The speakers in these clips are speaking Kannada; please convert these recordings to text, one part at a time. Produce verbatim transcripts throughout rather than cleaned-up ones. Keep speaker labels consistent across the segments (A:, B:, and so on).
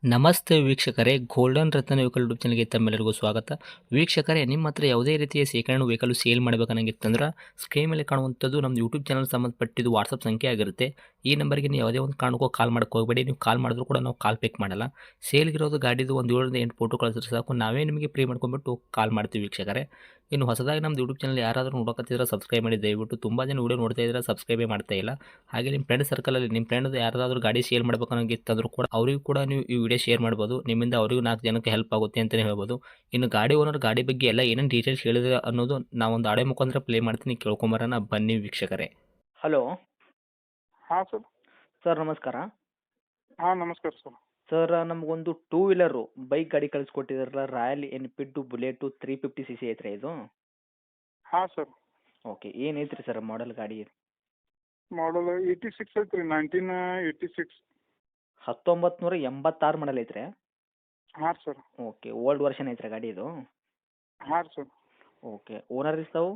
A: ನಮಸ್ತೆ ವೀಕ್ಷಕರೇ, ಗೋಲ್ಡನ್ ರತ್ನ ವೆಹಿಕಲ್ ಯೂಟ್ಯೂಬ್ ಚಾನಲ್ಗೆ ತಮ್ಮೆಲ್ಲರಿಗೂ ಸ್ವಾಗತ. ವೀಕ್ಷಕರೇ, ನಿಮ್ಮ ಹತ್ರ ಯಾವುದೇ ರೀತಿಯ ಶೇಖರಣೆ ವೆಹಿಕಲ್ ಸೇಲ್ ಮಾಡಬೇಕನ್ನಂಗಿತ್ತಂದ್ರೆ ಸ್ಕ್ರೀನ್ ಮೇಲೆ ಕಾಣುವಂಥದ್ದು ನಮ್ಮ ಯೂಟ್ಯೂಬ್ ಚಾನಲ್ ಸಂಬಂಧಪಟ್ಟಿದ್ದು ವಾಟ್ಸಪ್ ಸಂಖ್ಯೆ ಆಗಿರುತ್ತೆ. ಈ ನಂಬರ್ಗೆ ನೀವು ಯಾವುದೇ ಒಂದು ಕಾರಣಕ್ಕೂ ಕಾಲ್ ಮಾಡಕ್ಕೆ ಹೋಗಬೇಡಿ. ನೀವು ಕಾಲ್ ಮಾಡಿದ್ರು ಕೂಡ ನಾವು ಕಾಲ್ ಪಿಕ್ ಮಾಡಲ್ಲ. ಸೇಲ್ಗಿರೋದು ಗಾಡಿದು ಒಂದು ಏಳರಿಂದ ಎಂಟು ಫೋಟೋ ಕಳಿಸಿದ್ರೆ ಸಾಕು, ನಾವೇ ನಿಮಗೆ ಪ್ರೀ ಮಾಡ್ಕೊಂಡ್ಬಿಟ್ಟು ಕಾಲ್ ಮಾಡ್ತೀವಿ ವೀಕ್ಷಕರೇ. ಇನ್ನು ಹೊಸದಾಗಿ ನಮ್ಮದು ಯೂಟ್ಯೂಬ್ ಚಾನಲ್ ಯಾರಾದರೂ ನೋಡೋಕತ್ತಿದ್ರೆ ಸಬ್ಸ್ಕ್ರೈಬ್ ಮಾಡಿ ದಯವಿಟ್ಟು. ತುಂಬ ಜನ ವೀಡಿಯೋ ನೋಡ್ತಾ ಇದ್ದಾರೆ, ಸಬ್ಸ್ಕ್ರೈಬೇ ಮಾಡ್ತಾ ಇಲ್ಲ. ಹಾಗೆ ನಿಮ್ಮ ಫ್ರೆಂಡ್ ಸರ್ಕಲಲ್ಲಿ ನಿಮ್ಮ ಫ್ರೆಂಡ್ ಯಾರಾದರೂ ಗಾಡಿ ಸೇಲ್ ಮಾಡಬೇಕನ್ನೋಂಗಿತ್ತಂದ್ರೂ ಕೂಡ ಅವರಿಗೂ ಕೂಡ ನೀವು ಈ ವಿಡಿಯೋ ಶೇರ್ ಮಾಡ್ಬೋದು. ನಿಮ್ಮಿಂದ ಅವರಿಗೂ ನಾಲ್ಕು ಜನಕ್ಕೆ ಹೆಲ್ಪ್ ಆಗುತ್ತೆ ಅಂತಲೇ ಹೇಳ್ಬೋದು. ಇನ್ನು ಗಾಡಿ ಓನರ್ ಗಾಡಿ ಬಗ್ಗೆ ಎಲ್ಲ ಏನೇನು ಡೀಟೇಲ್ಸ್ ಹೇಳಿದ್ರೆ ಅನ್ನೋದು ನಾವೊಂದು ಆಡಿಯೋ ಮುಖಾಂತರ ಪ್ಲೇ ಮಾಡ್ತೀನಿ, ಕೇಳ್ಕೊಂಬರೋಣ ಬನ್ನಿ ವೀಕ್ಷಕರೇ. ಹಲೋ
B: ಹಾಂ ಸರ್.
A: ಸರ್, ನಮಸ್ಕಾರ.
B: ಹಾಂ ನಮಸ್ಕಾರ ಸರ್.
A: ಸರ್, ನಮಗೊಂದು ಟೂ ವೀಲರು ಬೈಕ್ ಗಾಡಿ ಕಳಿಸ್ಕೊಟ್ಟಿದ್ರಲ್ಲ, royal Enfield bullet three fifty C C ಐತ್ರಿ ಇದು?
B: ಹಾಂ ಸರ್.
A: ಓಕೆ, ಏನು ಐತ್ರಿ ಸರ್ ಮಾಡೆಲ್ ಗಾಡಿ?
B: ಮಾಡಲ್ ಏಯ್ಟಿ ಸಿಕ್ಸ್ ಐತ್ರಿ, ನೈನ್ಟೀನ್ ಏಯ್ಟಿ ಸಿಕ್ಸ್.
A: ಹತ್ತೊಂಬತ್ತು ನೂರ ಎಂಬತ್ತಾರು ಮಾಡಲ್ ಐತ್ರಿ?
B: ಹಾಂ ಸರ್.
A: ಓಕೆ, ಓಲ್ಡ್ ವರ್ಷನ್ ಐತ್ರಿ ಗಾಡಿ ಇದು?
B: ಹಾಂ ಸರ್.
A: ಓಕೆ, ಓನರ್ ಇರ್ತಾವು?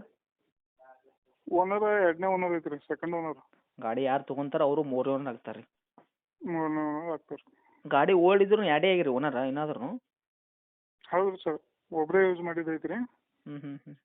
B: ಓನರ್ ಎರಡನೇ ಓನರ್ ಐತ್ರಿ, ಸೆಕೆಂಡ್ ಓನರ್.
A: ಗಾಡಿ ಯಾರು ತೊಗೊಂತಾರ ಅವರು ಮೂರು ಓನರ್ ಆಗ್ತಾರೆ?
B: ಮೂರನೇ ಓನರ್ ಆಗ್ತಾರೆ.
A: ಗಾಡಿ ಓಲ್ಡ್ ಇದ್ರು ಎರಡೇ ಆಗಿರಿ ಓನರ್ ಏನಾದ್ರು?
B: ಹೌದು ಸರ್, ಒಬ್ಬರೇ ಯೂಸ್ ಮಾಡಿದ್ದೈತ್ರಿ.
A: ಹ್ಞೂ ಹ್ಞೂ ಹ್ಞೂ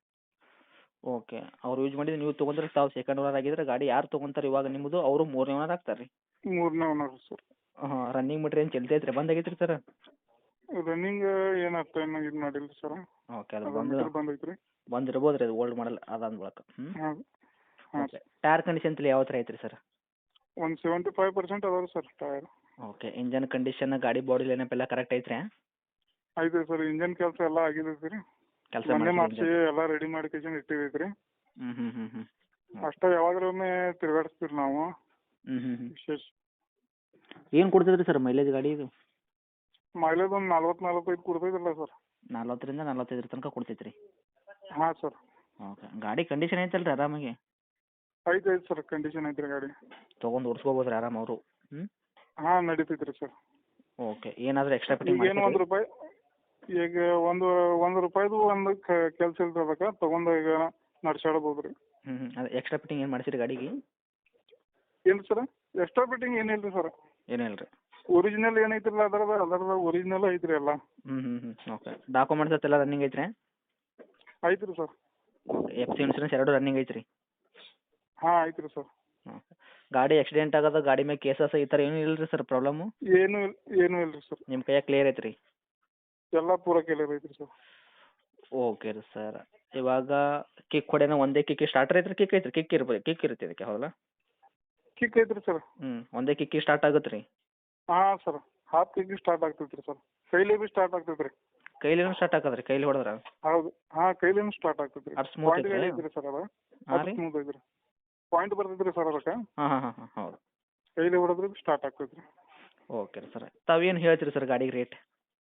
A: ಓಕೆ, ಅವ್ರು ಯೂಸ್ ಮಾಡಿದ್ರೆ ನೀವು ತೊಗೊಂಡ್ರೆ ತಾವು ಸೆಕೆಂಡ್ ಓನರ್ ಆಗಿದ್ರೆ, ಗಾಡಿ ಯಾರು ತೊಗೊಂತಾರೆ ಇವಾಗ ನಿಮ್ಮದು ಅವರು ಮೂರನೇ ಓನರ್ ಆಗ್ತಾರೆ ರೀ?
B: ಮೂರನೇ ಓನರ್ ಸರ್.
A: ಹಾಂ, ರನ್ನಿಂಗ್ ಮೀಟ್ರ್ ಏನು ಚಲ್ತೈತೆ ರೀ, ಬಂದಾಗೈತೆ ರೀ ಸರ್?
B: ರನ್ನಿಂಗ್ ಏನು ಅಷ್ಟು ಏನು ಇದು ಮಾಡಿಲ್ಲ ಸರ್.
A: ಓಕೆ, ಅದು ಬಂದು
B: ಬಂದೈತ್ರಿ.
A: ಬಂದಿರ್ಬೋದು ರೀ, ಅದು ಓಲ್ಡ್ ಮಾಡಲ್ ಅದಾದ ಬಳಿಕ. ಹ್ಞೂ
B: ಹಾಂ ಹಾಂ.
A: ಓಕೆ, ಟೈರ್ ಕಂಡೀಷನ್ ತಲೆ ಯಾವ ಥರ ಐತ್ರಿ ಸರ್?
B: ಒಂದು ಸೆವೆಂಟಿ ಫೈವ್ ಪರ್ಸೆಂಟ್ ಅದಾವೆ sir tyre.
A: Okay, engine condition ಗಾಡಿ ಬಾಡಿ ಲೈನಪ್ ಎಲ್ಲ ಕರೆಕ್ಟ್ ಐತ್ರಿ?
B: ಐತೆ ಸರ್, ಇಂಜನ್ ಕೆಲಸ ಎಲ್ಲ ಆಗಿದೈತಿ ರೀ.
A: ಕೆಲಸ
B: ಮೊನ್ನೆ ಮಾಡಿಸಿ ಎಲ್ಲ ರೆಡಿ ಮಾಡಿ ಕೇಶನ್ ಇಟ್ಟಿದೈತ್ರಿ.
A: ಹ್ಞೂ ಹ್ಞೂ ಹ್ಞೂ ಹ್ಞೂ
B: ಅಷ್ಟೇ, ಯಾವಾಗ್ಲೂ ತಿರ್ಗಾಡಿಸ್ತೀವಿ ನಾವು.
A: ಹ್ಞೂ ಹ್ಞೂ ಹ್ಞೂ
B: ವಿಶೇಷ
A: ಏನು ಕೊಡ್ತದ್ರಿ ಸರ್ ಮೈಲೇಜ್ ಗಾಡಿ ಇದು?
B: ಮೈಲೇಜ್ ಒಂದು ನಲ್ವತ್ತು ನಲ್ವತ್ತೈದು ಕೊಡ್ತೈತಲ್ಲ ಸರ್.
A: ನಲ್ವತ್ತರಿಂದ ನಲ್ವತ್ತೈದರ ತನಕ ಕೊಡ್ತೈತೆ ರೀ?
B: ಹಾಂ ಸರ್.
A: ಓಕೆ, ಗಾಡಿ ಕಂಡೀಷನ್ ಐತಲ್ಲ ರೀ ಆರಾಮಾಗಿ?
B: ಐತೆ ಐತೆ ಸರ್, ಕಂಡೀಷನ್ ಐತ್ರಿ ಗಾಡಿ.
A: ತೊಗೊಂಡು ಓಡಿಸ್ಕೋಬೋದು ರೀ ಆರಾಮ ಅವರು? ಹ್ಞೂ
B: ಹಾಂ ನಡೀತೈತೆ ರೀ ಸರ್.
A: ಓಕೆ, ಏನಾದರೂ ಎಕ್ಸ್ಟ್ರಾ ಫಿಟ್ಟಿಂಗ್
B: ಈಗ ಏನು ಒಂದು ರೂಪಾಯಿ ಈಗ ಒಂದು ಒಂದು ರೂಪಾಯಿದು ಒಂದು ಕೆಲಸ ಇರ್ತದಕ್ಕೆ ತೊಗೊಂಡು ಈಗ ನಡ್ಸಾಡ್ಬೋದು ರೀ.
A: ಹ್ಞೂ ಹ್ಞೂ ಅದು ಎಕ್ಸ್ಟ್ರಾ ಫಿಟ್ಟಿಂಗ್ ಏನು ಮಾಡಿಸಿರಿ ಗಾಡಿಗೆ?
B: ಏನು ಸರ್, ಎಕ್ಸ್ಟ್ರಾ ಫಿಟ್ಟಿಂಗ್ ಏನಿಲ್ಲ ರೀ ಸರ್.
A: ಏನೂ ಇಲ್ಲ ರೀ?
B: ಒರಿಜಿನಲ್ ಏನೈತಿರಲ್ಲ ಅದರದ ಅದರದ ಒರಿಜಿನಲ್ ಐತ್ರಿ ಎಲ್ಲ.
A: ಹ್ಞೂ ಹ್ಞೂ ಹ್ಞೂ ಓಕೆ, ಡಾಕ್ಯುಮೆಂಟ್ಸ್ ಎಲ್ಲ ರನ್ನಿಂಗ್ ಐತ್ರಿ?
B: ಐತ್ರಿ sir.
A: Okay, F C insurance ಎರಡು ರನ್ನಿಂಗ್ ಐತ್ರಿ?
B: ಹಾಂ ಐತ್ರಿ ಸರ್.
A: ಓಕೆ, ಗಾಡಿ ಆಕ್ಸಿಡೆಂಟ್ ಆಗೋದು ಗಾಡಿ ಮೇಲೆ ಕೇಸಸ್ ಈ ಥರ ಏನೂ ಇಲ್ಲ ರೀ ಸರ್ ಪ್ರಾಬ್ಲಮ್ಮು?
B: ಏನು ಇಲ್ಲ ಏನೂ ಇಲ್ಲ ರೀ ಸರ್.
A: ನಿಮ್ಮ ಕೈಯಾಗ ಕ್ಲಿಯರ್ ಐತ್ರಿ?
B: ಎಲ್ಲ ಪೂರ ಕ್ಲಿಯರ್ ಐತ್ರಿ ಸರ್.
A: ಓಕೆ ರೀ ಸರ್, ಇವಾಗ ಕಿಕ್ ಹೊಡೆನ ಒಂದೇ ಕಿಕ್ ಸ್ಟಾರ್ಟರ್ ಐತ್ರಿ? ಕಿಕ್ ಐತ್ರಿ? ಕಿಕ್ ಇರ್ಬೋದು, ಕಿಕ್ ಇರುತ್ತೆ ಇದಕ್ಕೆ, ಹೌದಾ?
B: ಕಿಕ್ ಐತ್ರಿ ಸರ್.
A: ಹ್ಞೂ, ಒಂದೇ ಕಿಕ್ಕಿ ಸ್ಟಾರ್ಟ್ ಆಗುತ್ತೆ ರೀ?
B: ಹಾಂ ಸರ್, ಹಾಫ್ ಕಿಕ್ ಸ್ಟಾರ್ಟ್ ಆಗ್ತೈತೆ ರೀ ಸರ್. ಕೈಲಿ ಭೀ ಸ್ಟಾರ್ಟ್ ಆಗ್ತೈತೆ ರೀ.
A: ಕೈಲಿನೂ ಸ್ಟಾರ್ಟ್ ಆಗತ್ತೆ ರೀ? ಕೈಲಿ ಹೊಡೆದ್ರೆ?
B: ಹೌದು, ಹಾಂ ಕೈಲಿನೂ ಸ್ಟಾರ್ಟ್ ಆಗ್ತೈತೆ ರೀ.
A: ಅದು ಸ್ಮೂತ್
B: ಪಾಯಿಂಟ್
A: ಐತ್ರಿ?
B: ಐತ್ರಿ ಸರ್ ಅದು.
A: ಹಾಂ
B: ಅದು
A: ರೀ?
B: ಸ್ಮೂತ್ ಐತ್ರಿ. ಪಾಯಿಂಟ್ ಬರ್ತೈತೆ ರೀ ಸರ್ ಅದಕ್ಕೆ.
A: ಹಾಂ ಹಾಂ ಹಾಂ ಹಾಂ ಹೌದು.
B: ಕೈಲಿ ಹೊಡೆದ್ರೆ ಸ್ಟಾರ್ಟ್ ಆಗ್ತೈತೆ ರೀ.
A: ಓಕೆ ರೀ ಸರ್, ತಾವೇನು ಹೇಳ್ತೀರಿ ಸರ್ ಗಾಡಿಗೆ ರೇಟ್?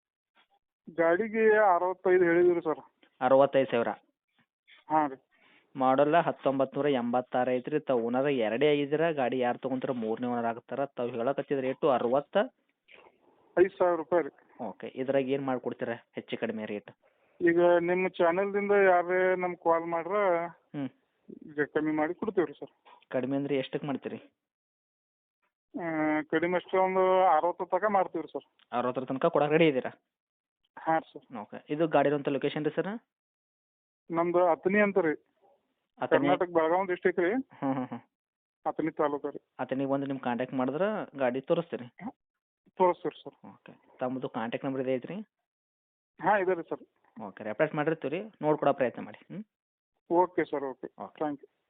B: ಗಾಡಿಗೆ ಅರವತ್ತೈದು ಹೇಳಿದ್ರಿ ಸರ್.
A: ಅರವತ್ತೈದು ಸಾವಿರ?
B: ಹಾಂ ರೀ.
A: ಮಾಡಲ್ಲ ಹತ್ತೊಂಬತ್ತು ನೂರ ಎಂಬತ್ತಾರು ಐತ್ರಿ. ತಾವು ಓನರ್ ಎರಡೇ ಆಗಿದ್ದೀರ, ಗಾಡಿ ಯಾರು ತೊಗೊಂತಾರ ಮೂರನೇ ಓನರ್ ಆಗ್ತಾರೆ. ತಾವು ಹೇಳಕತ್ತಿದ ರೇಟು ಅರವತ್ತ
B: ಐದು ಸಾವಿರ ರೂಪಾಯಿ ರೀ.
A: ಓಕೆ, ಇದ್ರಾಗ ಏನು ಮಾಡಿಕೊಡ್ತೀರಾ ಹೆಚ್ಚು ಕಡಿಮೆ ರೇಟ್?
B: ಈಗ ನಿಮ್ಮ ಚಾನಲ್ದಿಂದ ಯಾರೇ ನಮ್ಗೆ ಕಾಲ್ ಮಾಡ್ರೆ
A: ಹ್ಞೂ
B: ಈಗ ಕಮ್ಮಿ ಮಾಡಿ ಕೊಡ್ತೀವಿ ರೀ ಸರ್.
A: ಕಡಿಮೆ ಅಂದ್ರೆ ಎಷ್ಟಕ್ಕೆ ಮಾಡ್ತೀರಿ?
B: ಕಡಿಮೆ ಅಷ್ಟು ಒಂದು ಅರವತ್ತು ತನಕ ಮಾಡ್ತೀವಿ ರೀ ಸರ್.
A: ಅರವತ್ತರ ತನಕ ಕೊಡಕ್ಕೆ ರೆಡಿ ಇದ್ದೀರಾ?
B: ಹಾಂ ಸರ್.
A: ಓಕೆ, ಇದು ಗಾಡಿರೋಂಥ ಲೊಕೇಶನ್ ರೀ ಸರ್?
B: ನಮ್ದು ಅತನಿ ಅಂತ ರೀ,
A: ಅತನಿ?
B: ಕರ್ನಾಟಕ ಬೆಳಗಾವಿ ಡಿಸ್ಟಿಕ್ ರೀ.
A: ಹ್ಞೂ ಹ್ಞೂ ಹ್ಞೂ
B: ಅತನಿ ತಾಲೂಕು ರೀ.
A: ಅತನಿಗೆ ಬಂದು ನಿಮ್ಮ ಕಾಂಟ್ಯಾಕ್ಟ್ ಮಾಡಿದ್ರೆ ಗಾಡಿ ತೋರಿಸ್ತೀರಿ?
B: ತೋರಿಸ್ತೀವಿ ಸರ್.
A: ಓಕೆ, ತಮ್ಮದು ಕಾಂಟ್ಯಾಕ್ಟ್ ನಂಬರ್ ಇದೆ ಐತ್ರಿ?
B: ಹಾಂ ಇದೆ ರೀ ಸರ್.
A: ಓಕೆ, ರೆಪ್ಲೇಸ್ ಮಾಡಿರ್ತೀವಿ ರೀ, ನೋಡ್ಕೊಡೋ ಪ್ರಯತ್ನ ಮಾಡಿ. ಹ್ಞೂ
B: okay sir, okay
A: okay.
B: Thank you.